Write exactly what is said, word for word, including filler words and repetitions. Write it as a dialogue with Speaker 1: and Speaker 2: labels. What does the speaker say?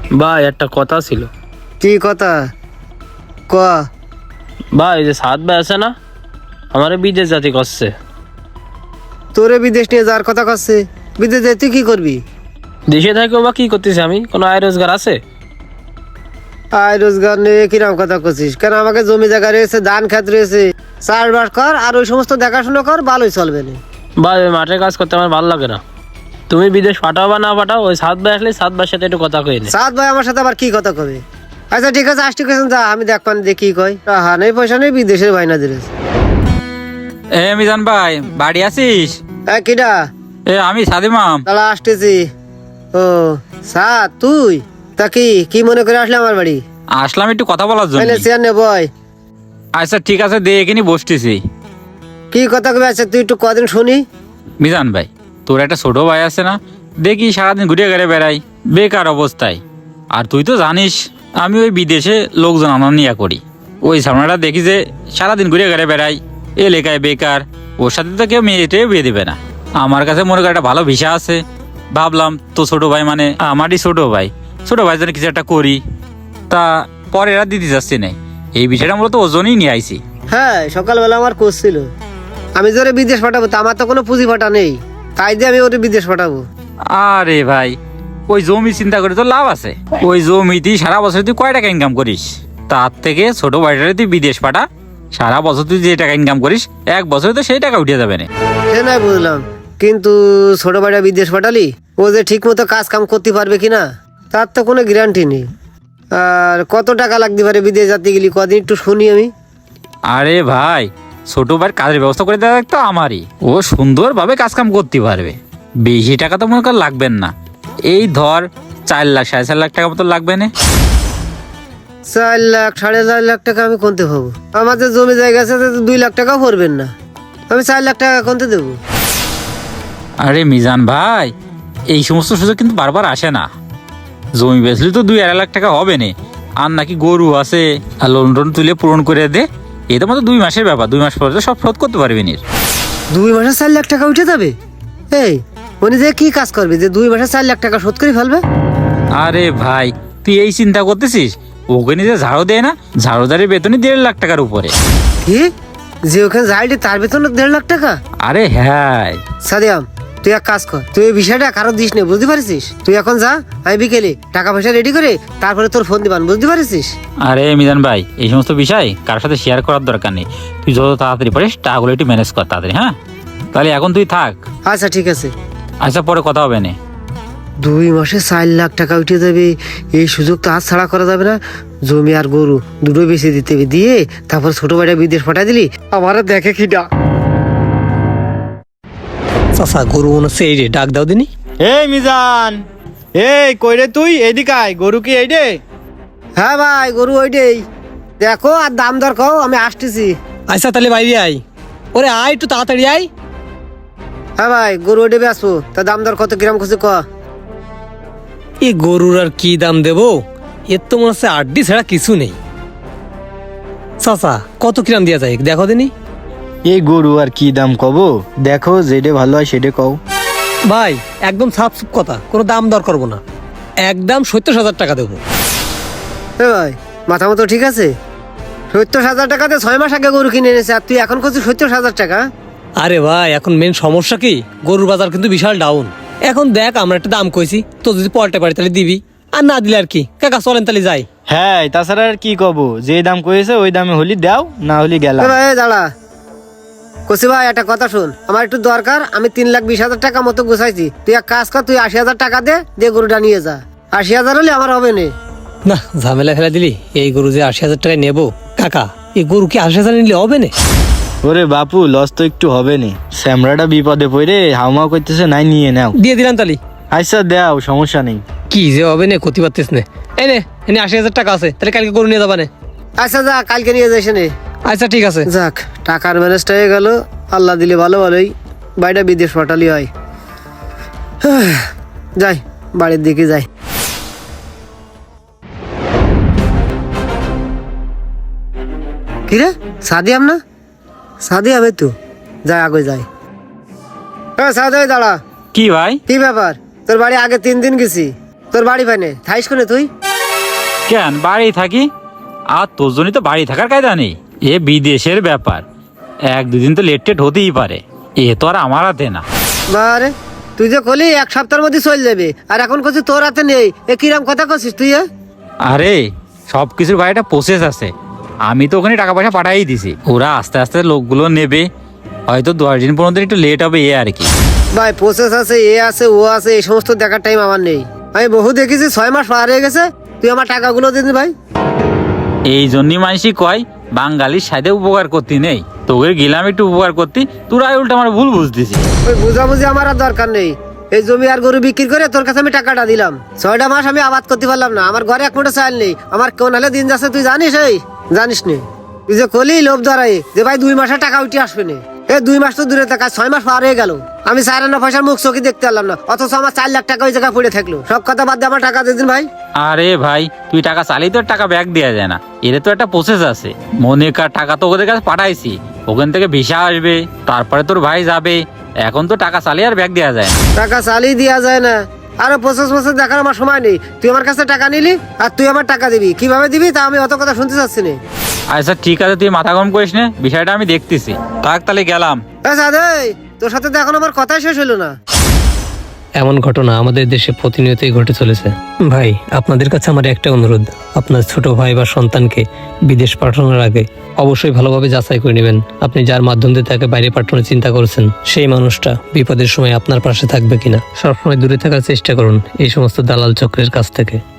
Speaker 1: ভাই একটা কথা ছিল।
Speaker 2: কি কথা ক?
Speaker 1: ভাই এই যে সাত ভাই আছে না, আমারে বিদেশ জাতি করছে।
Speaker 2: তোরে বিদেশ নিয়ে যাওয়ার কথা করছে? বিদেশ যাই তুই কি করবি?
Speaker 1: দেশে থাকেও বা কি করতেছি আমি? কোনো আয় রোজগার আছে?
Speaker 2: আয় রোজগার নিয়ে কিরম কথা করছিস? কেন আমাকে জমি জায়গা রয়েছে, ধান খেত রয়েছে, চাষবাস কর আর ওই সমস্ত দেখাশোনা কর, ভালোই চলবে না।
Speaker 1: ভাই ওই মাঠে কাজ করতে আমার ভালো লাগে না। তুমি বিদেশ পাঠাও বা না পাঠাও, ওই সাত ভাই আসলে সাত ভাইয়ের সাথে একটু কথা কই নে।
Speaker 2: সাত ভাই আমার সাথে আবার কি কথা কবে? আচ্ছা ঠিক আছে, আসতে কেছেন যা, আমি দেখ পান দেখি কই। হা নেই পয়সা নেই, বিদেশের ভাইনা দিলে।
Speaker 3: এ মিজান ভাই, বাড়ি আছিস?
Speaker 2: হ্যাঁ কিডা?
Speaker 3: এ আমি সাদিমাম।
Speaker 2: তাহলে আসতেছি। ও সাত তুই? তা কি কি মনে করে আসলে আমার বাড়ি?
Speaker 3: আসলাম একটু কথা বলার জন্য।
Speaker 2: চেয়ার নে বয়।
Speaker 3: আচ্ছা ঠিক আছে, দে এখানে বসতেছি।
Speaker 2: কি কথা কবে? আচ্ছা তুই একটু কদিন শুনি।
Speaker 3: মিজান ভাই, তোর একটা ছোট ভাই আছে না, দেখি সারাদিন ঘুরে ঘুরে বেড়াই বেকার অবস্থায়। আর তুই তো জানিস আমি ওই বিদেশে লোকজন আনা নিয়া করি। ওই সামনাটা দেখি যে সারাদিন ঘুরে ঘুরে বেড়াই, এলাকায় বেকার। ওর সাথে তো কেউ মেয়েটাও বিয়ে দেবে না। আমার কাছে মনে কর একটা ভালো ভিসা আছে। ভাবলাম তো ছোট ভাই মানে আমারই ছোট ভাই, ছোট ভাই যেন কিছু একটা করি। তা পরে এরা দিতে যাচ্ছে না, এই বিষয়টা মূলত ওজনই নিয়ে আইছি।
Speaker 2: হ্যাঁ সকালবেলা আমার কোচ ছিল, আমি যে ওরে বিদেশ পাঠাবো, তা আমার তো কোনো পুঁজি ফাটা নেই, তাই দিয়ে আমি ওরে বিদেশ পাঠাবো।
Speaker 3: আরে ভাই, ওই জমি চিন্তা করে তো লাভ আছে। ওই জমিতেই সারা বছর তুই কয় টাকা ইনকাম করিস? তার থেকে ছোট ভাইটারে তুই বিদেশ পাঠা, সারা বছর তুই যে টাকা ইনকাম করিস এক বছরে তো সেই টাকা উঠে যাবে না।
Speaker 2: সে নাই বুঝলাম, কিন্তু ছোট ভাইটা বিদেশ পাঠালি, ও যে ঠিক মতো কাজ কাম করতে পারবে কিনা তার তো কোনো গ্যারান্টি নেই। আর কত টাকা লাগতে পারে বিদেশ যেতে গেলি, কদিন একটু শুনি আমি।
Speaker 3: আরে ভাই, ছোট ভাইয়ের কাজের ব্যবস্থা করে দেওয়া তো আমারই। ও সুন্দরভাবে কাজ কাম করতে পারবে, বেশি টাকা তো মনে কর লাগবেন না। এই ধর চার লাখ সাড়ে চার লাখ টাকা মতো লাগবে না।
Speaker 2: চার লাখ সাড়ে চার লাখ টাকা আমি কোনতে পাবো? আমার যে জমি জায়গা আছে তাতে দুই লাখ টাকাও পড়বেন না, আমি চার লাখ টাকা কোনতে দেবো?
Speaker 3: আরে মিজান ভাই, এই সমস্ত সুযোগ কিন্তু বারবার আসে না। জমি বেচলে তো দুই আড়াই লাখ টাকা হবে না। আর নাকি গরু আছে, আর লোন টোন তুলে পূরণ করে দে, এটা মতো দুই মাসের ব্যাপার, দুই মাস পরে তো সব শোধ করতে পারবি নি।
Speaker 2: দুই মাসে চার লাখ টাকা উঠে যাবে? এই উনি যে কি কাজ করবে যে দুই মাসে চার লাখ টাকা শোধ করে ফেলবে?
Speaker 3: আরে ভাই, তুই এই চিন্তা করতেছিস? ওকে নিজে ঝাড়ু দেয় না, ঝাড়ুদারের বেতনই দেড় লাখ টাকার উপরে।
Speaker 2: কি? যে ওখানে যাইলে তার বেতন দেড় লাখ টাকা?
Speaker 3: আরে হ্যাঁ
Speaker 2: সাদিয়াম, তুই এক কাজ কর, তুই এই বিষয়টা কারো দিস নে, বুঝতে পারছিস? তুই এখন যা, আমি বিকেলে টাকা পয়সা রেডি করে তারপরে তোর ফোন দিবান, বুঝতে পারছিস?
Speaker 3: আরে মিজান ভাই, এই সমস্ত বিষয় কারোর সাথে শেয়ার করার দরকার নেই। তুই যত তাড়াতাড়ি পারিস টাকাগুলো একটু ম্যানেজ কর তাড়াতাড়ি। হ্যাঁ তাহলে এখন তুই থাক।
Speaker 2: আচ্ছা ঠিক আছে।
Speaker 3: আচ্ছা পরে কথা হবে না।
Speaker 2: দুই মাসে চার লাখ টাকা উঠে যাবে, এই সুযোগ তো হাত ছাড়া করা যাবে না। জমি আর গরু দুটো বেশি দিতে হবে, দিয়ে তারপর ছোট ভাইটা বিদেশ পাঠাই দিলি, আমারও দেখে খিদা।
Speaker 4: চাচা গরু মনে হচ্ছে এই রে, ডাক দাও দিনি।
Speaker 5: এই মিজান, এই কই রে তুই? এদিকে আয়, গরু কি এই রে?
Speaker 2: হ্যাঁ ভাই, গরু ওইটাই দেখো, আর দাম দর কও, আমি আসতেছি।
Speaker 4: আচ্ছা তাহলে বাইরে আয়, ওরে আয় একটু তাড়াতাড়ি আয়।
Speaker 2: হ্যাঁ ভাই, গরু ওইটা আসবো, তা দাম দর কত কিরাম খুশি ক।
Speaker 4: এই গরুর আর কি দাম দেবো, এর তো মনে হচ্ছে আড্ডি ছাড়া কিছু নেই। চাচা কত কিরাম দেওয়া যায় দেখো দিনি।
Speaker 5: এই গরু আর কি দাম কব? দেখো যেটা ভালো হয় সেটা কও।
Speaker 4: ভাই একদম সাফ সুপ কথা, কোনো দাম দর করবো না, একদম সত্তর হাজার টাকা দেবো।
Speaker 2: হ্যাঁ ভাই, মাথা মতো ঠিক আছে? সত্তর হাজার টাকাতে ছয় মাস আগে গরু কিনে এনেছে, আর তুই এখন করছিস সত্তর হাজার টাকা?
Speaker 4: আরে ভাই এখন মেন সমস্যা কি, গরুর বাজার কিন্তু বিশাল ডাউন। এখন দেখ আমরা একটা দাম কইছি, তো যদি পল্টে পারি তাহলে দিবি, আর না দিলে আর কি। কাকা চলেন তাহলে যাই।
Speaker 5: হ্যাঁ, তাছাড়া আর কি কব? যে দাম কইছে ওই দামে হলি দাও, না হলি গেলাম।
Speaker 2: এ ভাই দাঁড়া, কসি ভাই একটা কথা শুন, আমার একটু দরকার, আমি তিন লাখ বিশ হাজার টাকা মতো গুছাইছি, তুই এক কাজ কর, তুই আশি হাজার টাকা দে, দিয়ে গরুটা নিয়ে যা। আশি হাজার হলে আমার হবে না।
Speaker 4: না ঝামেলা ফেলা দিলি, এই গরু যে আশি হাজার টাকায় নেবো, কাকা এই গরু কি আশি হাজার নিলে হবে না?
Speaker 5: ওরে বাপু, লস তো একটু হবে নি। স্যামরাটা বিপদে পড়ে হাউমাউ করতেছে, নাই নিয়ে নাও।
Speaker 4: দিয়ে দিলাম তালি।
Speaker 5: আচ্ছা দাও, সমস্যা নেই।
Speaker 4: কি যে হবে না ক্ষতি পারতিস না। এই নে এনে আশি হাজার টাকা আছে, তাহলে কালকে গরু নিয়ে যাবা না?
Speaker 2: আচ্ছা যা, কালকে নিয়ে যাইস নে।
Speaker 4: আচ্ছা ঠিক আছে।
Speaker 2: যাক, টাকার ম্যানেজটা হয়ে গেল, আল্লাহ দিলে ভালো ভালোই বাড়িটা বিদেশ পাঠালি হয়। যাই বাড়ির দিকে যাই। কিরে সাদিয়াম না? সাদিয়াম এই তো, যাই আগে যাই। হ্যাঁ সাদিয়াম দাঁড়া।
Speaker 3: কি ভাই?
Speaker 2: কি ব্যাপার? তোর বাড়ি আগে তিন দিন গেছি, তো তোর বাড়ি পাইনে থাইস কোনে তুই?
Speaker 3: কেন বাড়ি থাকি? আর তোর জন্যই তো বাড়ি থাকার কায়দা নেই। এ বিদেশের ব্যাপার, এক দুদিন তো লেট টেট হতেই পারে, এ তো আর আমার হাতে না।
Speaker 2: বারে তুই যে কলি এক সপ্তাহের মধ্যে চলে যাবে, আর এখন করছিস তোর হাতে নেই, এ কিরাম কথা করছিস তুই? এ?
Speaker 3: আরে সব কিছুর ভাই একটা প্রসেস আছে, আমি তো ওখানে টাকা পয়সা পাঠাই দিছি, ওরা আস্তে আস্তে লোকগুলো নেবে, হয়তো দশ দিন পর্যন্ত একটু লেট হবে এ আর কি।
Speaker 2: ভাই প্রসেস আছে, এ আছে, ও আছে, এই সমস্ত দেখার টাইম আমার নেই। আমি বহু দেখেছি ছয় মাস পার হয়ে গেছে, তুই আমার টাকাগুলো দিন ভাই।
Speaker 3: এই জন্যই মানুষই কয় বাঙালির সাথে উপকার করতে নেই, তোকে গেলাম একটু উপকার করতে, তোরা উল্টা আমার ভুল বুঝতেছি।
Speaker 2: ওই বুঝাবুঝি আমার আর দরকার নেই। এই জমি আর গরু বিক্রি করে তোর কাছে আমি টাকাটা দিলাম, ছয়টা মাস আমি আবাদ করতে পারলাম না, আমার ঘরে এক মুঠো চাল নেই, আমার কোন হালে দিন যাচ্ছে তুই জানিস? এই জানিস নি? তুই যে কলি লোভ ধরাই যে ভাই দুই মাসের টাকা উঠে আসবে না, এই দুই মাস তো দূরে থাকা, ছয় মাস পার হয়ে গেল, আমি চার আনা পয়সার মুখ চোখে দেখতে পারলাম না, অথচ আমার চার লাখ টাকা ওই জায়গায় পড়ে থাকলো। সব কথা বাদ দিয়ে আমার টাকা দিয়ে দিন ভাই।
Speaker 3: আরে ভাই তুই টাকা চালিয়ে তো টাকা ব্যাক দেওয়া যায় না, এর তো একটা প্রসেস আছে। মনে কর টাকা তো ওদের কাছে পাঠাইছি, ওখান থেকে ভিসা আসবে, তারপরে তোর ভাই যাবে, এখন তো টাকা চালিয়ে আর ব্যাক দেওয়া যায় না।
Speaker 2: টাকা চালিয়ে দেওয়া যায় না, আরো প্রসেস প্রসেস দেখার আমার সময় নেই। তুই আমার কাছে টাকা নিলি আর তুই আমার টাকা দিবি, কিভাবে দিবি তা আমি অত কথা শুনতে চাচ্ছি না।
Speaker 3: আচ্ছা ঠিক আছে, তুই মাথা গরম করিস না, বিষয়টা আমি দেখতেছি। থাক তাহলে গেলাম।
Speaker 2: তোর সাথে তো এখন আমার কথাই শেষ হলো না।
Speaker 4: এমন ঘটনা আমাদের দেশে প্রতিনিয়তই ঘটে চলেছে। ভাই আপনাদের কাছে আমার একটা অনুরোধ, আপনার ছোট ভাই বা সন্তানকে বিদেশ পাঠানোর আগে অবশ্যই ভালোভাবে যাচাই করে নেবেন আপনি যার মাধ্যম দিয়ে তাকে বাইরে পাঠানোর চিন্তা করছেন সেই মানুষটা বিপদের সময় আপনার পাশে থাকবে কিনা। সবসময় দূরে থাকার চেষ্টা করুন এই সমস্ত দালাল চক্রের কাছ থেকে।